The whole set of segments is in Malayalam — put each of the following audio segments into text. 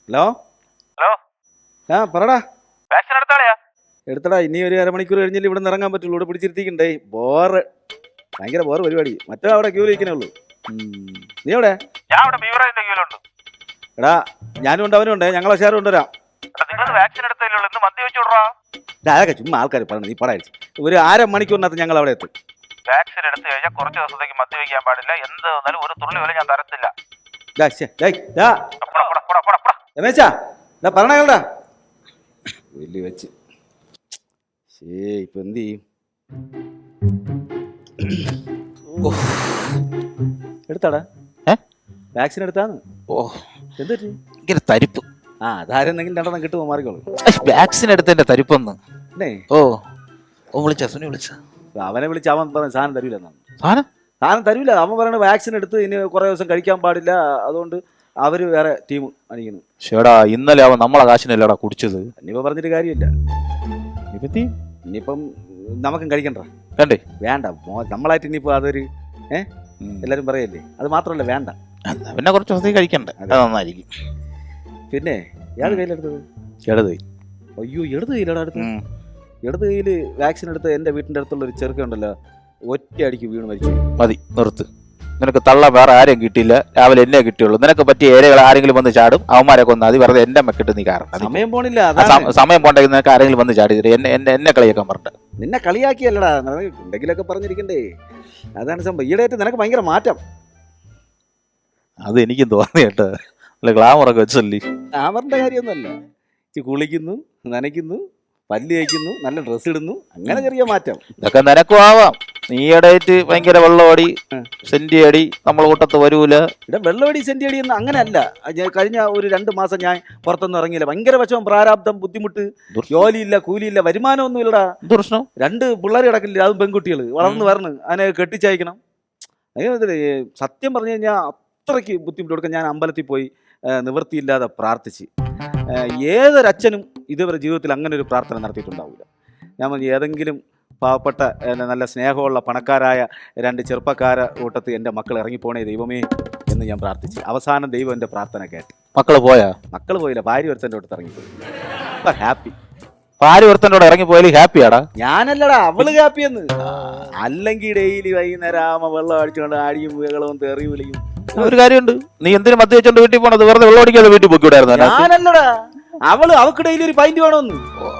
ഹലോ ഹലോ ആ പറടാ. വാക്സിൻ എടുത്താളയാ? എടുത്തടാ, ഇനി ഒരു അരമണിക്കൂർ കഴിഞ്ഞില്ല ഇവിടെ നിന്ന് ഇറങ്ങാൻ പറ്റുള്ളൂ. ഇവിടെ പിടിച്ചിരുത്തിക്കണ്ടേ. ബോറ്, ഭയങ്കര ബോറ് പരിപാടി. മറ്റോ അവിടെ ക്യൂ ഇരിക്കണേ ഉള്ളൂ. നീ എവിടെ? ഞാൻ ഇവിടെ ബീവറേജിന്റെ ക്യൂലുണ്ട്. എടാ ഞാനും ഉണ്ട്, അവനും ഉണ്ട്. ഞങ്ങളെ ഷെയർ കൊണ്ടുവരാം. നിങ്ങൾ വാക്സിൻ എടുത്തില്ലല്ലോ, ഇന്ന് മദ്യം വെച്ചു വിടറാ. അതൊക്കെ ചുമ്മാ ആൾക്കാർ പറഞ്ഞു, നീ പടായിരിക്കും. ഒരു അരമണിക്കൂറിനകത്ത് ഞങ്ങൾ അവിടെ എത്തും. വാക്സിൻ എടുത്തു കഴിഞ്ഞാൽ കുറച്ച് ദിവസത്തേക്ക് മദ്യം വയ്ക്കാൻ പാടില്ല. എന്ത് വന്നാലും ഒരു തുള്ളി പോലും ഞാൻ തരത്തില്ല. രമേശാ പറഞ്ഞാ വലിയ വെച്ച് ഇപ്പൊ എന്ത് ചെയ്യും? എടുത്താടാ വാക്സിൻ എടുത്താന്ന്. എന്ത് ഭയങ്കര തരിപ്പ്. അതാരെന്തെങ്കിലും രണ്ടെണ്ണം കിട്ടുമോ? മാറിക്കോളൂ. വാക്സിൻ എടുത്തതിന്റെ തരിപ്പൊന്ന്. വിളിച്ച സുനി വിളിച്ച അവനെ വിളിച്ച് അവൻ പറഞ്ഞ സാധനം തരൂല. സാധനം തരൂല. അവൻ പറയണ വാക്സിൻ എടുത്ത് ഇനി കുറെ ദിവസം കഴിക്കാൻ പാടില്ല, അതുകൊണ്ട് അവര് വേറെ ടീം അണിക്കുന്നു. ഷേടാ, ഇന്നലെ അവൻ നമ്മളെ കാശിനല്ലടാ കുടിച്ചത്. ഇനിയിപ്പോ പറഞ്ഞിട്ട് കാര്യമില്ല. ഇനിയിപ്പം നമുക്കും കഴിക്കണ്ട. വേണ്ടേ? വേണ്ട. നമ്മളായിട്ട് ഇനിയിപ്പോ അതൊരു എല്ലാരും പറയല്ലേ. അത് മാത്രമല്ല, വേണ്ട. പിന്നെ കുറച്ച് ദിവസത്തേക്ക് കഴിക്കണ്ടേ, അത് നന്നായിരിക്കും. പിന്നെ ഏത് കയ്യിലെടുത്തത്? ഇടത്. അയ്യോ, ഇടത് കയ്യിലടാ എടുത്ത്. ഇടത് കയ്യില് വാക്സിൻ എടുത്ത് എന്റെ വീട്ടിന്റെ അടുത്തുള്ള ഒരു ചെറുക്കുണ്ടല്ലോ, ഒറ്റ അടിക്ക് വീണ് മരിച്ചു. മതി, നിർത്ത്. നിനക്ക് തള്ള വേറെ ആരെയും കിട്ടിയില്ല, രാവിലെ എന്നെ കിട്ടിയുള്ളൂ. നിനക്ക് പറ്റിയ ഏരിയകൾ ആരെങ്കിലും വന്ന് ചാടും, അവന്മാരെ കൊന്ന് അത് വെറുതെ എന്റെ മെക്കിട്ട് നീ കാരണം. സമയം പോണില്ല. സമയം പോണ്ടെങ്കിൽ നിനക്ക് ആരെങ്കിലും വന്ന് ചാടി എന്നെ കളിയാക്കാൻ പറഞ്ഞ. നിന്നെ കളിയാക്കിയല്ലടാ, എന്തെങ്കിലുമൊക്കെ പറഞ്ഞിരിക്കണ്ടേ. അതാണ് സംഭവം. ഈയിടെയായിട്ട് നിനക്ക് ഭയങ്കര മാറ്റം. അത് എനിക്കും തോന്നി കേട്ടോ. അല്ല, ഗ്ലാമറൊക്കെ വെച്ചല്ലേ. ഗ്ലാമറിന്റെ കാര്യമൊന്നുമല്ല. കുളിക്കുന്നു, നനയ്ക്കുന്നു, പല്ല് കഴിക്കുന്നു, നല്ല ഡ്രസ്സ് ഇടുന്നു, അങ്ങനെ ചെറിയ മാറ്റം. ഇതൊക്കെ നിനക്കും ആവാം. നീയുടെയായിട്ട് ഭയങ്കര വെള്ളമടി സെന്റി അടി നമ്മളെ കൂട്ടത്ത് വരൂല. ഇവിടെ വെള്ളമടി സെന്റി അടി ഒന്നും അങ്ങനെയല്ല. കഴിഞ്ഞ ഒരു 2 മാസം ഞാൻ പുറത്തൊന്നും ഇറങ്ങിയില്ല. ഭയങ്കര വിഷമം, പ്രാരാബ്ദം, ബുദ്ധിമുട്ട്, ജോലിയില്ല, കൂലിയില്ല, വരുമാനമൊന്നും ഇല്ലടാ. 2 പിള്ളേർ കിടക്കില്ല, അതും പെൺകുട്ടികൾ വളർന്ന് വരണം. അതിനെ കെട്ടിച്ചയക്കണം. സത്യം പറഞ്ഞു കഴിഞ്ഞാൽ അത്രയ്ക്ക് ബുദ്ധിമുട്ട് കൊടുക്കാൻ ഞാൻ അമ്പലത്തിൽ പോയി നിവൃത്തിയില്ലാതെ പ്രാർത്ഥിച്ച്. ഏതൊരച്ഛനും ഇതുവരെ ജീവിതത്തിൽ അങ്ങനെ ഒരു പ്രാർത്ഥന നടത്തിയിട്ടുണ്ടാവില്ല. ഞാൻ ഏതെങ്കിലും പാവപ്പെട്ട നല്ല സ്നേഹമുള്ള പണക്കാരായ 2 ചെറുപ്പക്കാരെ കൂട്ടത്തിൽ എൻ്റെ മക്കൾ ഇറങ്ങിപ്പോണേ ദൈവമേ എന്ന് ഞാൻ പ്രാർത്ഥിച്ചു. അവസാനം ദൈവം എൻ്റെ പ്രാർത്ഥന കേട്ട്. മക്കള് പോയില്ല. ഭാര്യ ഒരുത്തൻ്റെ അടുത്ത് ഇറങ്ങിപ്പോയി. ഹാപ്പി. ഭാര്യ ഒരുത്തൻ്റെ ഇറങ്ങിപ്പോയാലും ഹാപ്പിയാടാ. ഞാനല്ലടാ, അവള് ഹാപ്പിയെന്ന്. അല്ലെങ്കിൽ ഡെയിലി വൈകുന്നേരം ആവുമ്പോ വെള്ളം അടിച്ചുകൊണ്ട് ആടിയും വീകളും തെറി വിളിയും. ഒരു കാര്യമുണ്ട്, നീ എന്തിനു മദ്യം വെച്ചോണ്ട് വീട്ടിൽ പോണത്? വെറുതെ വെള്ളം അടിക്കാതെ വീട്ടിൽ പോയിക്കൂടായിരുന്നു. ഞാനല്ലടാ, അവൾക്ക് ഡെയിലി ഒരു പൈന്റ് വേണമെന്ന്.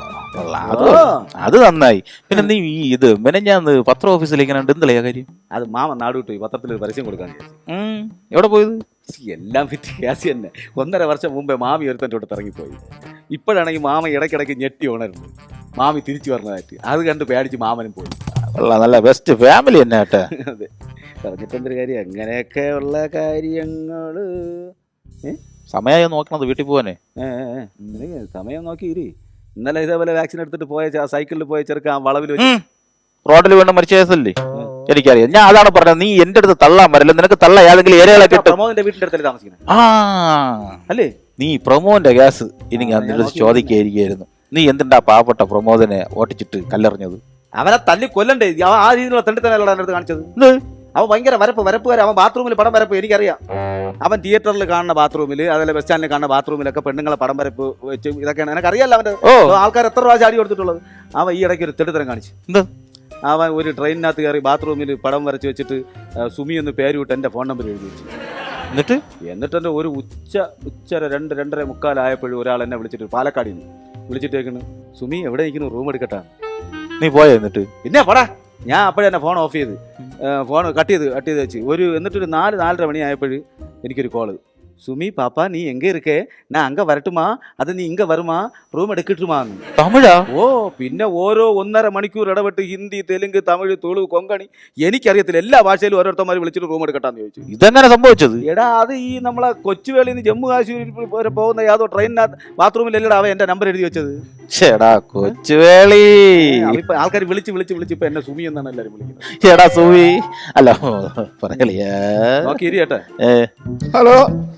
അത് നന്നായി. പിന്നെ നീ മെനഞ്ഞാന്ന് പത്ര ഓഫീസിലേക്ക് എന്തിലാ കാര്യം? അത് മാമ നാട് വിട്ടു പോയി. പത്രത്തിൽ പരസ്യം കൊടുക്കാൻ. എവിടെ പോയത്? എല്ലാം ഫിറ്റ് ഗ്യാസ് തന്നെ. 1.5 വർഷം മുമ്പേ മാമി ഒരുത്തൻ്റെ അടുത്ത് ഇറങ്ങിപ്പോയി. ഇപ്പോഴാണെങ്കിൽ മാമ ഇടയ്ക്കിടയ്ക്ക് ഞെട്ടി ഉണരുന്നു. മാമി തിരിച്ചു പറഞ്ഞതായിട്ട് അത് കണ്ട് പേടിച്ച് മാമനും പോയി. നല്ല ബെസ്റ്റ് ഫാമിലി തന്നെ കേട്ടെ. അതെ, പറഞ്ഞിട്ടെന്തൊരു കാര്യം. അങ്ങനെയൊക്കെ ഉള്ള കാര്യങ്ങള്. സമയം നോക്കണത് വീട്ടിൽ പോവാനേ. സമയം നോക്കിയിരി. ഇന്നലെ ഇതേപോലെ വാക്സിൻ എടുത്തിട്ട് പോയ സൈക്കിളിൽ പോയ ചെറുക്കാൻ വളവിൽ റോഡിൽ വീണ്ടും മരിച്ച കേസല്ലേ? എനിക്കറിയാം. ഞാൻ അതാണ് പറഞ്ഞത്, നീ എന്റെ അടുത്ത് തള്ളാൻ വരില്ല. നിനക്ക് തള്ള ഏതെങ്കിലും ഏരിയകളെ കിട്ടും. പ്രമോദിന്റെ വീട്ടിന്റെ അടുത്തല്ലേ താമസിക്കുന്നത്? അല്ലേ? നീ പ്രമോദിന്റെ ഗ്യാസ് ഇനി ഞാൻ ചോദിക്കായിരിക്കും. നീ എന്തിണ്ടാ പാവപ്പെട്ട പ്രമോദിനെ ഓട്ടിച്ചിട്ട് കല്ലെറിഞ്ഞത്? അവനെ തല്ലി കൊല്ലണ്ടേ? ആ രീതിയിലുള്ള തണ്ടിത്തനല്ല എൻ്റെ അടുത്ത് കാണിച്ചത്. അവൻ ഭയങ്കര വരപ്പുകാരൻ. അവൻ ബാത്റൂമിൽ പടം വരപ്പ്. എനിക്കറിയാം. അവൻ തിയേറ്ററിൽ കാണുന്ന ബാത്റൂമിൽ, അതേപോലെ ബസ് സ്റ്റാൻഡിൽ കാണുന്ന ബാത്റൂമിലൊക്കെ പെണ്ണുങ്ങളെ പടം വരപ്പ് വെച്ച് ഇതൊക്കെയാണ്. എനിക്കറിയാമല്ലോ അവൻ്റെ ആൾക്കാർ എത്ര രൂപ ചാടി കൊടുത്തിട്ടുള്ളത്. അവൻ ഈ ഇടയ്ക്ക് ഒരു തെളിത്തരം കാണിച്ചു. അവൻ ഒരു ട്രെയിനിനകത്ത് കയറി ബാത്റൂമിൽ പടം വരച്ച് വെച്ചിട്ട് സുമി എന്ന് പേര് വിട്ട് എൻ്റെ ഫോൺ നമ്പർ എഴുതി വെച്ചു. എന്നിട്ട് എൻ്റെ ഒരു ഉച്ചര 2-2:45 ആയപ്പോഴും ഒരാൾ എന്നെ വിളിച്ചിട്ട്, പാലക്കാടിൽ നിന്ന് വിളിച്ചിട്ടേക്കുന്നു, സുമി എവിടെ ഇരിക്കുന്നു, റൂം എടുക്കട്ടാ. നീ പോയോ? എന്നിട്ട് പിന്നെ പടാ, ഞാൻ അപ്പോഴേ തന്നെ ഫോൺ ഓഫ് ചെയ്ത് ഫോൺ കട്ട് ചെയ്ത് വെച്ച് എന്നിട്ടൊരു 4-4:30 മണി ആയപ്പോഴും എനിക്കൊരു കോള്. സുമി പാപ്പ നീ എങ്ക இருக்கே, ഞാൻ അങ്ക വരട്ടുമാ, അത് നീ ഇങ്ക വരുമാ, റൂം എടുക്കട്ടുമാന്ന്. തമിഴാ? പിന്നെ ഓരോ 1.5 മണിക്കൂർ ഇടപെട്ട് ഹിന്ദി, തെലുങ്ക്, തമിഴ്, തുളു, കൊങ്കണി, എനിക്കറിയത്തില്ല. എല്ലാ ഭാഷയിലും ഓരോരുത്തന്മാർ വിളിച്ചിട്ട് റൂം എടുക്കട്ടാന്ന് ചോദിച്ചു. ഇതെങ്ങനെ സംഭവിച്ചത്? എടാ, അത് ഈ നമ്മളെ കൊച്ചുവേളിയിൽ നിന്ന് ജമ്മു കാശ്മീരിൽ വരെ പോകുന്ന യാതോ ട്രെയിനിനകത്ത് ബാത്റൂമിലല്ലടാ അവൻ എന്റെ നമ്പർ എഴുതി വെച്ചത്. ചേടാ കൊച്ചുവേളി. ആൾക്കാർ വിളിച്ച് ഇപ്പൊ എന്നെ സുമി എന്നാണ് എല്ലാരും വിളിക്കുന്നത്. ചേടാ സുമി അല്ല പറയലിയാ. നോക്കി ഇരിയട്ടെ. ഹലോ.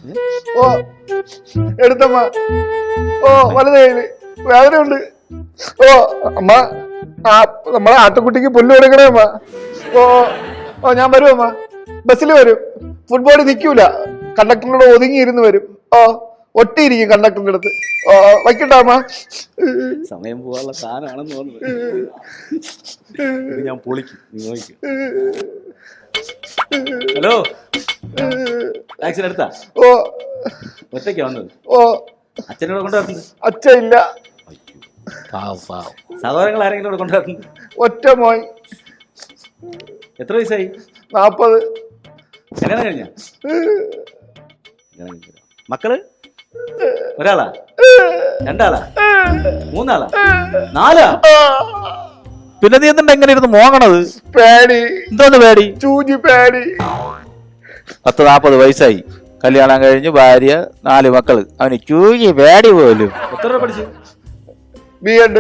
എടുത്തമ്മ. വലത് കയ്യില് വേദനയുണ്ട്. അമ്മ, നമ്മളെ ആട്ടുകുട്ടിക്ക് പുല്ല് കൊടുക്കണേ അമ്മ. ഞാൻ വരും അമ്മ. ബസ്സിൽ വരും. ഫുട്ബോൾ നിൽക്കൂല. കണ്ടക്ടറിനോട് ഒതുങ്ങിയിരുന്ന് വരും. ഒട്ടിയിരിക്കും കണ്ടക്ടറിന്റെ അടുത്ത്. ഓ വയ്ക്കട്ടെ അമ്മ. സമയം പോകാനുള്ള സാധനമാണെന്ന് തോന്നുന്നത്. ഇത് ഞാൻ പൊളിക്കും, നീ നോക്കി. ഹലോ, വാക്സിൻ എടുത്താ? ഓ ഒറ്റയ്ക്കാ വന്നത്? ഓ അച്ഛനോട് കൊണ്ടുവരുന്നത്? അച്ഛ ഇല്ല. സഹോദരങ്ങൾ ആരെങ്കിലും ഇവിടെ കൊണ്ടുവരുന്നത്? ഒറ്റ മോൻ. എത്ര വയസ്സായി? 40. കല്യാണം കഴിഞ്ഞ? മക്കള് ഒരാളാ, രണ്ടാളാ, മൂന്നാളാ, 4? പിന്നെ നീ എന്തുണ്ട് എങ്ങനെ ഇരുന്ന് മോങ്ങണത്? പേടി. എന്തോന്ന് പേടി? ചൂജി പേടി. 40 വയസ്സായി, കല്യാണം കഴിഞ്ഞ് ഭാര്യ, 4 മക്കള്, അവന് ചൂഴി പേടി പോലും. എത്ര രൂപ പഠിച്ചു? B.Ed.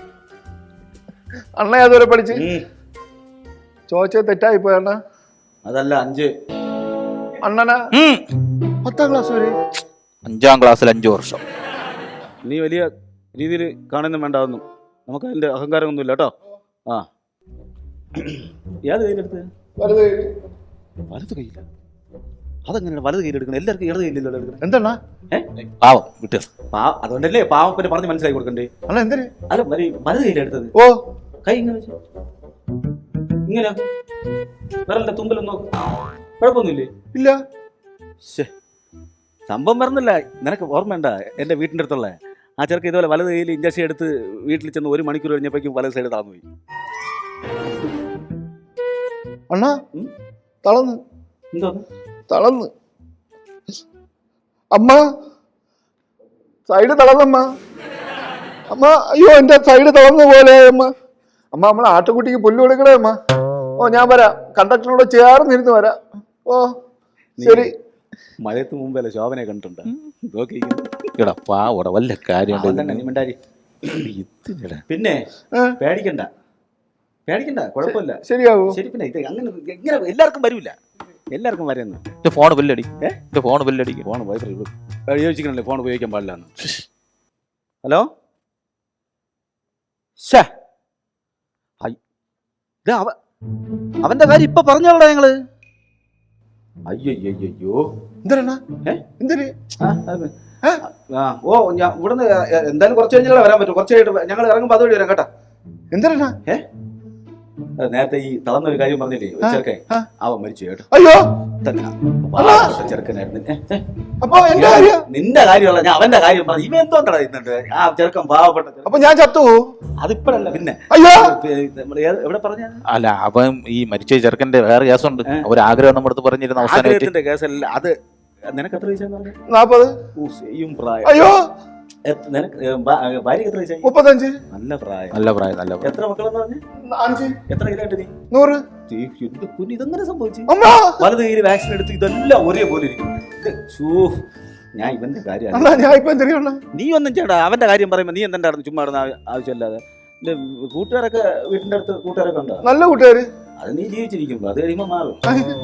അണ്ണ ഏതുവരെ പഠിച്ച്? ചോദിച്ചത് തെറ്റായി പോയണ്ണ. അതല്ല 5. അണ്ണനാ 10ാം ക്ലാസ് വരെ. 5ാം ക്ലാസ്സിൽ 5 വർഷം. നീ വലിയ രീതിയിൽ കാണുന്നും വേണ്ടാവുന്നു, നമുക്ക് അതിന്റെ അഹങ്കാരമൊന്നുമില്ല കേട്ടോ. ആ, ഏത് കയ്യിലെടുത്ത്? വലത് കയ്യില്ല. അതെങ്ങനെയാണ് വലത് കയ്യിലെടുക്കണം? എല്ലാവർക്കും ഇടത് കയ്യിലല്ലോ എടുക്കണം. എന്താണ് പാവം വിട്ടു. അതുകൊണ്ടല്ലേ പാവം പിന്നെ പറഞ്ഞ് മനസ്സിലാക്കി കൊടുക്കണ്ടേ? അല്ല എന്തിന്? അല്ല, വലത് കയ്യിലെടുത്തത്. ഓ കൈ ഇങ്ങനെ വെച്ചു, ഇങ്ങനെ വരല്ല, തുമ്പലൊന്നും നോക്ക്, കുഴപ്പമൊന്നുമില്ലേ? ഇല്ല. സംഭവം വരുന്നില്ല. നിനക്ക് ഓർമ്മയുണ്ട എന്റെ വീട്ടിന്റെ അടുത്തുള്ള ആ ചെറുക്ക് ഇതുപോലെ വലത് കയ്യിൽ ഇഞ്ചക്ഷൻ എടുത്ത് വീട്ടിൽ ചെന്ന് 1 മണിക്കൂർ കഴിഞ്ഞപ്പോഴേക്കും വലത് സൈഡ് താന്നു പോയി. അണ്ണാ തളന്ന്. എന്തോന്ന് തളന്ന്? അമ്മ സൈഡ് തളന്നമ്മ. അമ്മ അയ്യോ എന്റെ സൈഡ് തളർന്ന പോലെ അമ്മ. അമ്മ നമ്മളെ ആട്ടുകുട്ടിക്ക് പുല്ല് കൊടുക്കണേ അമ്മ. ഓ ഞാൻ വരാം, കണ്ടക്ടറിനോട് ചേർന്നിരുന്ന് വരാം. ഓ ശരി. മഴയത്ത് മുമ്പല്ലേ ശോഭനെ കണ്ടിട്ടുണ്ട്? വല്ല കാര്യം. പിന്നെ പേടിക്കണ്ട, പേടിക്കണ്ട, കുഴപ്പമില്ല, ശരിയാവോ? ശരി. പിന്നെ ഇത് അങ്ങനെ എങ്ങനെ എല്ലാവർക്കും വരൂല, എല്ലാവർക്കും വരുന്നു. ഫോൺ ബില്ലടി, ഫോൺ ബില്ലടി. ഫോൺ ഉപയോഗിക്കണല്ലേ, ഫോൺ ഉപയോഗിക്കാൻ പാടില്ലാന്ന്. ഹലോ, അവന്റെ കാര്യം ഇപ്പൊ പറഞ്ഞോളാ ഞങ്ങള്. അയ്യോ എന്തിനാ? എന്തിന്? ഓ ഞാൻ ഇവിടുന്ന് എന്തായാലും കുറച്ച് കഴിഞ്ഞാൽ വരാൻ പറ്റും. കുറച്ച് കഴിഞ്ഞിട്ട് ഞങ്ങൾ ഇറങ്ങുമ്പോ അതുവഴി വരാം കേട്ടാ. എന്തിനാ? നേരത്തെ ഈ തളർന്നൊരു കാര്യം പറഞ്ഞില്ലേ ചെറുക്കൻ, അവൻ മരിച്ചു കേട്ടോ. അയ്യോ ചെറുക്കനായിരുന്നു. അപ്പൊ എന്റെ കാര്യം? നിന്റെ കാര്യമല്ല, ഞാൻ അവന്റെ കാര്യം പറഞ്ഞു. ഇവ എന്തോണ്ടാ ഇന്നുണ്ട് ആ ചെറുക്കൻ പാവപ്പെട്ട. അപ്പൊ ഞാൻ ചത്തു? അതിപ്പോഴല്ല, പിന്നെ. അയ്യോ എവിടെ പറഞ്ഞ? അല്ല, അവൻ ഈ മരിച്ച ചെറുക്കന്റെ വേറെ കേസുണ്ട്. ഒരാഗ്രഹം നമ്മുടെ അടുത്ത് പറഞ്ഞിരുന്ന അവസാനത്തിന്റെ കേസല്ല അത്. നിനക്ക് എത്ര വയസ്സാന്ന് പറഞ്ഞു? 40. സെയിം പ്രായം. അയ്യോ നിനക്ക് ഭാര്യക്ക് എത്ര വയസ്സായി? 35. നല്ല പ്രായം, നല്ല പ്രായം, നല്ല പ്രായം. എത്ര മക്കളെന്ന് പറഞ്ഞു? 5. എത്ര കിലോട്ട് നീ? 100. എന്ത് കുഞ്ഞ്, ഇതെങ്ങനെ സംഭവിച്ചു? അമ്മ വലത് കയ്യിൽ വാക്സിൻ എടുത്ത് ഇതെല്ലാം ഒരേപോലെ ഇരിക്കും. ഞാൻ ഇവന്റെ കാര്യം ഞാൻ ഇപ്പൊ എന്തിനാ? നീ ഒന്നും ചേട്ടാ, അവന്റെ കാര്യം പറയുമ്പോ നീ എന്തെങ്കിലും നടന്നു ചുമ്മാ ആവശ്യമില്ലാതെ. കൂട്ടുകാരൊക്കെ വീട്ടിന്റെ അടുത്ത് കൂട്ടുകാരൊക്കെ ഉണ്ടോ? നല്ല കൂട്ടുകാര്. അത് നീ ജീവിച്ചിരിക്കുമ്പോ അത് കഴിയുമ്പോ മാറും.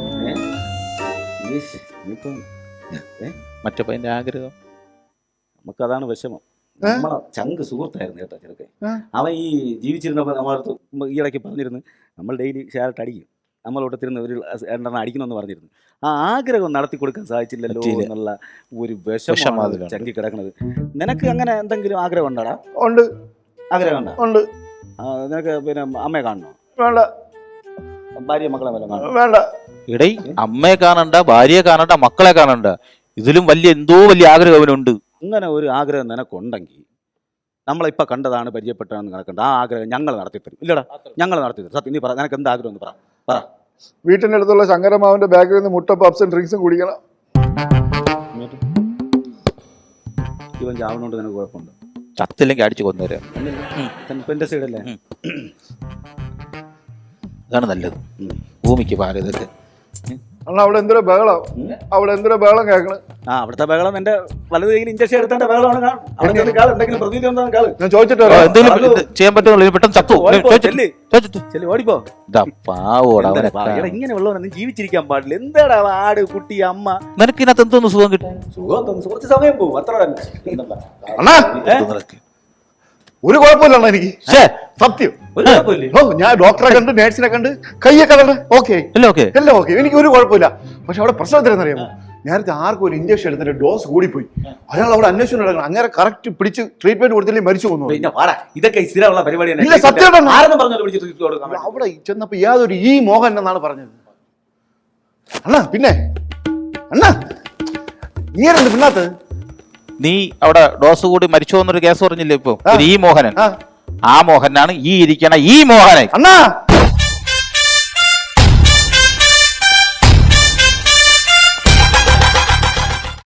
മറ്റേ പയ്യന്റെ ആഗ്രഹം നമുക്കതാണ് വിഷമം. നമ്മളെ ചങ്ക് സുഹൃത്തായിരുന്നു കേട്ടോ ചെറുക്കെ. അവൻ ഈ ജീവിച്ചിരുന്നപ്പോൾ നമ്മളടുത്ത് ഈ ഇടയ്ക്ക് പറഞ്ഞിരുന്നു, നമ്മൾ ഡെയിലി ഷെയർട്ട് അടിക്കും, നമ്മളോട്ടത്തിരുന്ന് ഒരു 2 എണ്ണം അടിക്കണമെന്ന് പറഞ്ഞിരുന്നു. ആ ആഗ്രഹം നടത്തി കൊടുക്കാൻ സാധിച്ചില്ലല്ലോ എന്നുള്ള ഒരു വിഷമമാണ് ചങ്കി കിടക്കുന്നത്. നിനക്ക് അങ്ങനെ എന്തെങ്കിലും ആഗ്രഹം ഉണ്ടാടാ? ഉണ്ട്. ആഗ്രഹം ഉണ്ടോ? ഉണ്ട്. നിനക്ക് പിന്നെ അമ്മയെ കാണണോ? വേണ്ട. ഭാര്യ മക്കളെ വല്ല കാണണം? വേണ്ട. ഇടൈ, അമ്മയെ കാണണ്ട, ഭാര്യയെ കാണണ്ട, മക്കളെ കാണണ്ട, ഇതിലും എന്തോ വലിയ ആഗ്രഹം അവനുണ്ട്. അങ്ങനെ ഒരു ആഗ്രഹം നിനക്കുണ്ടെങ്കിൽ നമ്മളിപ്പോൾ കണ്ടതാണ് പരിചയപ്പെട്ടതെന്ന് കണക്കണ്ട. ആ ആഗ്രഹം ഞങ്ങൾ നടത്തിത്തരും. ഇല്ലടാ, ഞങ്ങൾ നടത്തിത്തരും. സത്യം നീ പറ, നിനക്ക് എന്ത് ആഗ്രഹം എന്ന് പറ. വീട്ടിന്റെ അടുത്തുള്ള ശങ്കരമാവിന്റെ ബാഗിൽ നിന്ന് മുട്ട പപ്സും ഡ്രിങ്ക്സും കുടിക്കണം. ഇവൻ ചാവണോണ്ട് നിനക്ക് കുഴപ്പമുണ്ട്? ചത്തില്ലെങ്കിൽ അടിച്ചു കൊന്നുതരാം. എന്റെ സൈഡല്ലേ? അതാണ് നല്ലത്. ഭൂമിക്ക് പാല ഇതൊക്കെ. അണ്ണാ അവിടെ എന്തൊരു ബഹളം, അവിടെ എന്തൊരു ബഹളം കേൾക്കണം. അവിടുത്തെ ബഹളം എന്റെ വലത് കയ്യിൽ ഇഞ്ചക്ഷൻ എടുത്തേണ്ട ബഹളമാണ്. എന്തെങ്കിലും പ്രതീതി ഞാൻ ചോദിച്ചിട്ടോ ചെയ്യാൻ പറ്റുമോ? പെട്ടെന്ന് ചത്തു ഓടിപ്പോ. ഇങ്ങനെ ഉള്ളവനെ ജീവിച്ചിരിക്കാൻ പാടില്ല. എന്താടാ ആട്, കുട്ടി, അമ്മ, നിനക്ക് ഇതിനകത്ത് എന്തോന്ന് സുഖം കിട്ടും? സുഖം കുറച്ച് സമയം പോകും, അത്ര തന്നെ. അണ്ണാ ഒരു കുഴപ്പമില്ല എനിക്ക്, സത്യം. ഞാൻ ഡോക്ടറെ കണ്ട് നേഴ്സിനെ കണ്ട് കയ്യൊക്കെ ഓക്കെ എല്ലാം ഓക്കെ, എനിക്ക് ഒരു കുഴപ്പമില്ല. പക്ഷെ അവിടെ പ്രശ്നം എത്രയെന്ന് അറിയാമോ? നേരത്തെ ആർക്കും ഒരു ഇഞ്ചക്ഷൻ എടുത്തിട്ട് ഡോസ് കൂടിപ്പോയി. അയാൾ അവിടെ അന്വേഷണം നടക്കണം. അങ്ങനെ കറക്റ്റ് പിടിച്ച് ട്രീറ്റ്മെന്റ് കൊടുത്തില്ലേ മരിച്ചു പോകുന്നു. പിന്നെ പാടാ, ഇതൊക്കെ സ്ഥിരമുള്ള പരിപാടിയാണ്. ഇല്ല, സത്യം ആരെന്ന് പറഞ്ഞാൽ വിളിച്ച് ട്രീറ്റ് കൊടുക്കാം. അവിടെ ചെന്നപ്പോ യാതൊരു ഈ മോഹൻ എന്നാണ് പറഞ്ഞത്. അണ്ണാ പിന്നെ അണ്ണാ നീ ആരെന്ത് പിന്നാത്തത്? നീ അവിടെ ഡോസ് കൂടി മരിച്ചു എന്നൊരു കേസ് പറഞ്ഞില്ലേ ഇപ്പൊ? ഈ മോഹനൻ, ആ മോഹനാണ് ഈ ഇരിക്കണ ഈ മോഹനൻ. അണ്ണാ